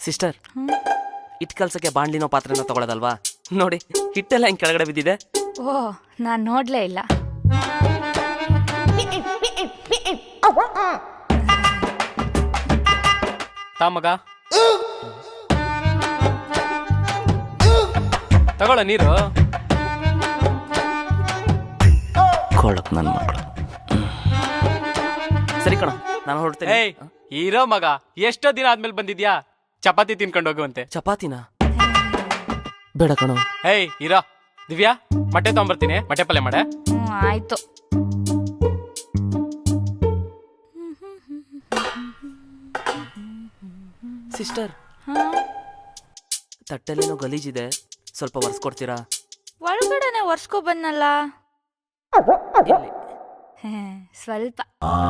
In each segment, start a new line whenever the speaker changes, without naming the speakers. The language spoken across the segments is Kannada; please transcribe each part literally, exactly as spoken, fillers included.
ಸಿಸ್ಟರ್, ಹಿಟ್ಟು ಕಲ್ಸಕ್ಕೆ ಬಾಣ್ಲಿನೋ ಪಾತ್ರೆನೋ ತಗೊಳ್ಳೋದಲ್ವಾ? ನೋಡಿ ಹಿಟ್ಟೆಲ್ಲ ಹಿಂಗೆ ಕೆಳಗಡೆ ಬಿದ್ದಿದೆ.
ಓ, ನಾನು ನೋಡ್ಲೇ ಇಲ್ಲ.
ತಾ ಮಗ, ತಗೊಳ್ಳ ನೀರು.
ಕೊಳಕ್ ನನ್ನ ಮಕ್ಕಳು. ಸರಿ ಕಣ, ನಾನು ಹೊರಡ್ತೇನೆ.
ಏಯ್ ಇರೋ ಮಗ, ಎಷ್ಟೋ ದಿನ ಆದ್ಮೇಲೆ ಬಂದಿದ್ಯಾ? ಚಪಾತಿ ತಿನ್ಕೊಂಡು ಹೋಗುವಂತೆ.
ಚಪಾತಿನ ಬೇಡ ಕಣೋ.
ಏಯ್ ಇರೋ. ದಿವ್ಯಾ, ಮೊಟ್ಟೆ ತಗೊಂಬರ್ತೀನಿ, ಮೊಟ್ಟೆ ಪಲ್ಯ ಮಾಡೆ.
ಹ್ಞೂ ಆಯ್ತು.
ಸಿಸ್ಟರ್,
ಹಾಂ,
ತಟ್ಟೆಲ್ಲೇನೋ ಗಲೀಜಿದೆ, ಸ್ವಲ್ಪ ಒರೆಸ್ಕೊಡ್ತೀರಾ?
ಒಳಗಡೆನೆ ಒರ್ಸ್ಕೊ ಬಂದಲ್ಲ.
ಎಲ್ಲಿ?
ಸ್ವಲ್ಪ.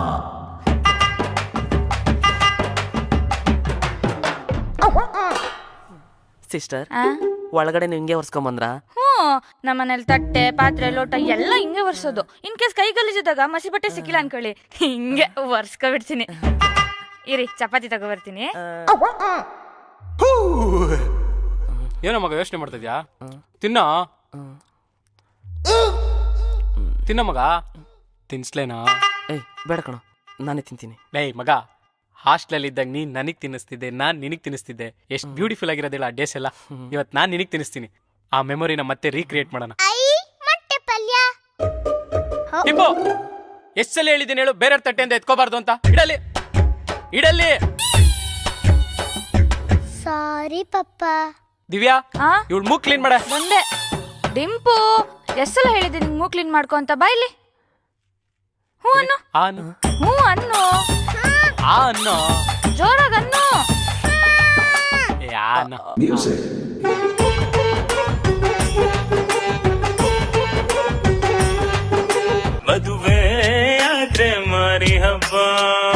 ಸಿಸ್ಟರ್,
ಆ?
ಒಳಗಡೆ ನೀವು ಹಿಂಗೆ ಒರೆಸ್ಕೊಂಬಂದ್ರ?
ಹ್ಞೂ, ನಮ್ಮನೇಲಿ ತಟ್ಟೆ ಪಾತ್ರೆ ಲೋಟ ಎಲ್ಲ ಹಿಂಗೆ ಒರ್ಸೋದು. ಇನ್ ಕೇಸ್ ಕೈ ಗಲೀಜಿದಾಗ ಮಸಿ ಬಟ್ಟೆ ಸಿಕ್ಕಿಲ್ಲ ಅನ್ಕೊಳ್ಳಿ, ಹಿಂಗೆ ಒರ್ಸ್ಕೊಬಿಡ್ತೀನಿ. ಇರಿ, ಚಪಾತಿ ತಗೋಬರ್ತೀನಿ.
ಏನೋ ಮಗ ಯೋಚನೆ ಮಾಡ್ತಿದ್ಯಾ? ತಿನ್ನೋ ತಿನ್ನೋ ಮಗ. ತಿನ್ಸ್ಲೇನಾ?
ಏಯ್ ಬೇಡ ಕಣೋ, ನಾನೇ ತಿಂತೀನಿ.
ಏಯ್ ಮಗ, ಹಾಸ್ಟೆಲಲ್ಲಿ ಇದ್ದಾಗ ನೀನ್ ನನಗ್ ತಿನ್ನಿಸ್ತಿದ್ದೆ, ನಾನ್ ನಿನಗ್ ತಿನ್ನಿಸ್ತಿದ್ದೆ. ಎಷ್ಟು ಬ್ಯೂಟಿಫುಲ್ ಆಗಿರೋದಿಲ್ಲ ಆ ಡೇಸ್ ಎಲ್ಲ. ಇವತ್ತು ನಾನ್ ನಿನಗ್ ತಿನ್ನಿಸ್ತೀನಿ. ಆ ಮೆಮೊರಿನ ಮತ್ತೆ ರೀಕ್ರಿಯೇಟ್ ಮಾಡೋಣ. ಟಿಂಬು, ಎಷ್ಟ್ ಸಲ ಹೇಳಿದ್ದೀನಿ ಹೇಳು, ಬೇರೆ ತಟ್ಟೆಯಿಂದ ಎತ್ಕೋಬಾರ್ದು ಅಂತ. ಇಡಲಿ ಇಡಲಿ.
ಸಾರಿ ಪಪ್ಪ.
ದಿವ್ಯಾ,
ಆ?
ಇವಳು ಮೂಗ್ ಕ್ಲೀನ್ ಮಾಡ.
ಬಂದೆ. ಡಿಂಪು, ಎಷ್ಟೆಲ್ಲ ಹೇಳಿದ್ದೀನಿ ನಿಂಗೆ ಮೂಗ್ ಕ್ಲೀನ್ ಮಾಡ್ಕೊ ಅಂತ. ಬಾಯ್ಲಿ. ಹ್ಞೂ ಅನ್ನು.
ಆ ಅನ್ನು.
ಹ್ಞೂ ಅನ್ನು.
ಆ ಅನ್ನು.
ಜೋರಾಗ ಅನ್ನು.
ಏ ಆ ಅನ್ನು.
ಮದುವೆ ಆದ್ರೆ ಮಾರಿ ಹಬ್ಬ.